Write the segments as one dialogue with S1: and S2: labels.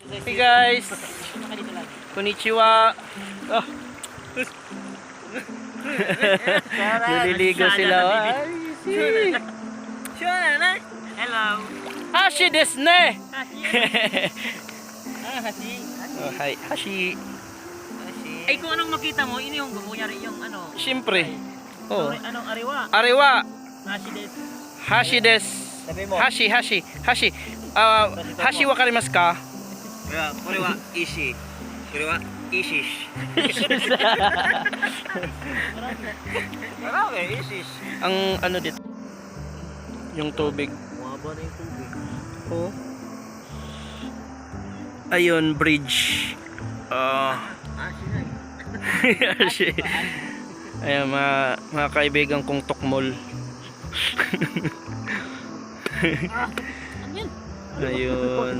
S1: Hey guys! Konnichiwa! Oh. Naliligo sila. Ay, si.
S2: Hello.
S1: Hashi desu ne!
S2: Hashi.
S1: Oh, hi, Hashi.
S2: Ay, kung anong makita mo, ini yung kunyari yung ano.
S1: Siyempre. Oh.
S2: Anong ariwa?
S1: Ariwa!
S2: Hashi desu.
S1: Hashi desu. Hashi. Hashi wakarimasu ka?
S3: Kore wa ishi. Kore wa ishish. Marami, ishish.
S1: Ang ano dito? Yung tubig.
S3: Mababa na yung tubig.
S1: Oh. Ayun, bridge. Hashi. Ayan, mga kaibigan kong tukmol. Ayun.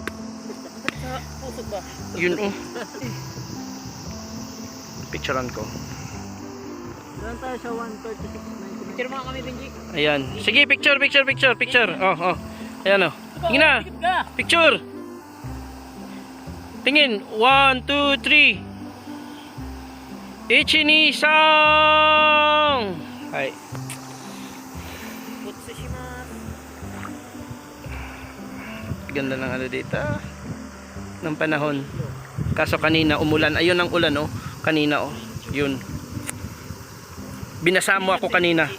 S1: Yun oh. Picturean ko.
S2: Doon tayo sa 136.99. Picture mo kami, Benji.
S1: Ayan. Sige, picture. Oh. Ayan oh. Tingin na. Picture. Tingin. 1, 2, 3. Ichinisang. Hai. Ganda ng ano dito. Ng panahon. Kaso kanina umulan. Ayun ang ulan oh. Kanina oh. Yun. Binasa mo ako kanina.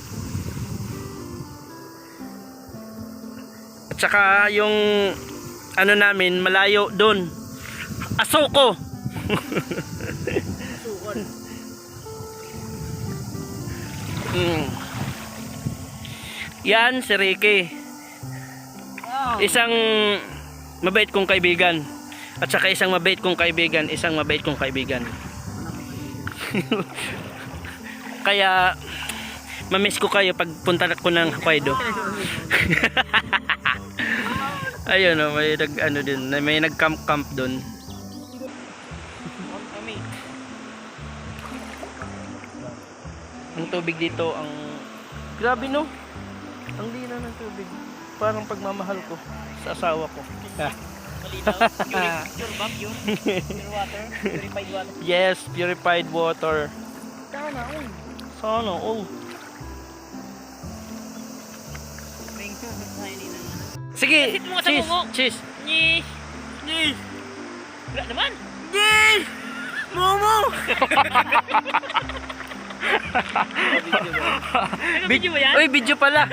S1: At saka yung ano namin malayo doon. Asoko. Yan si Ricky. Isang mabait kong kaibigan. At saka isang mabait kong kaibigan. Kaya mamiss ko kayo pag punta ko ng Hokkaido. Ayun oh, may ano din, may nag-camp doon. Ang tubig dito ang grabe no. Ang linaw ng tubig. Parang pagmamahal ko sa asawa ko.
S2: Malinaw. Pure vacuum. Pure water. Purified water.
S1: Yes, purified water. Sana all. Sige, cheese.
S2: Yes. Wala naman.
S1: Yes! Momo!
S2: Video mo yan?
S1: Uy, video pala.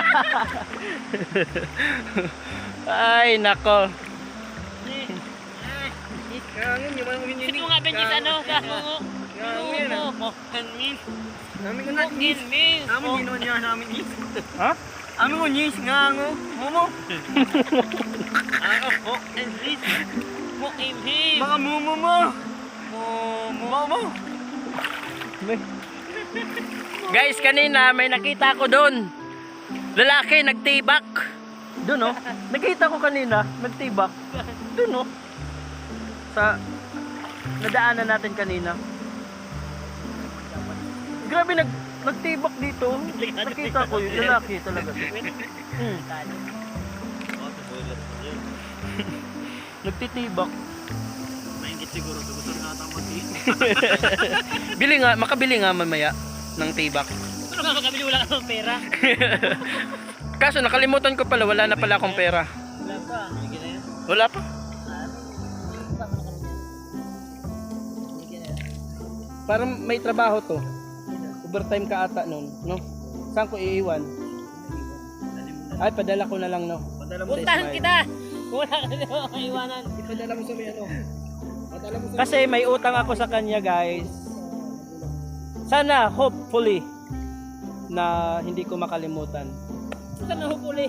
S1: Ay, nako.
S2: Sige mo nga, Benji, sa ano? Kamungo.
S3: Namin ko na nis. Namin ginawa niya namin nis.
S1: Ha?
S3: Amin mo nis nga ngo. Momo.
S2: Ako, and this. Mo imhim.
S3: Mga momo mo. Momo.
S1: Guys, kanina may nakita ko doon. Lalaki nagtibak. Doon oh. Nakita ko kanina, nagtibak. Doon oh. Sa nadaanan natin kanina. Grabe nagtibak dito. Nakita ko yung lalaki talaga. Nagtitibak.
S3: Maingit siguro. Gusto na ata
S1: Bili nga, makabili nga mamaya ng tibak.
S2: Ano nga makabili, wala kang pera?
S1: Kaso nakalimutan ko pala, wala na pala akong pera.
S2: Wala pa.
S1: Wala pa. Parang may trabaho to. Overtime ka ata nun, no? Saan ko iiwan? Ay, padala ko na lang, no?
S2: Puntahan kita! Wala ka na maiwanan.
S3: Ipadala mo sa may ano. Padala mo sa
S1: Kasi may utang ako sa kanya, guys. Sana, hopefully, na hindi ko makalimutan.
S2: Saan na hukuli?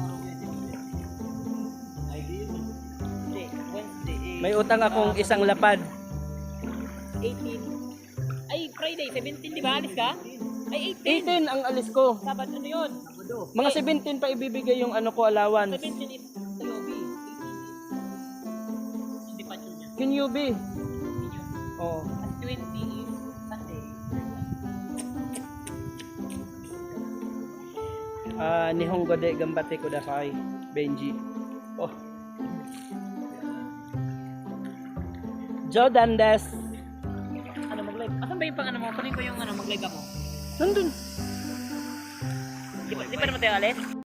S2: Wednesday.
S1: May utang akong isang lapad.
S2: 18. Ay, Friday, 17, di ba? Alis ka? Ay,
S1: 18
S2: 18.
S1: ang alis ko.
S2: Sabado, ano yun?
S1: Mga 17 pa ibibigay yung ano ko, allowance.
S2: 17 is Yobi. 18 is departure niya.
S1: Yung UB. Oh.
S2: At 20 is Sunday.
S1: Nihongo de gambate kudasai, Benji. Oh. Joe Dandes.
S2: Ano, mag-live? Asan ba yung pang ano mo? Kunin ko yung ano, mag-live ako.
S1: Nandun.
S2: Di pa naman tayo alis?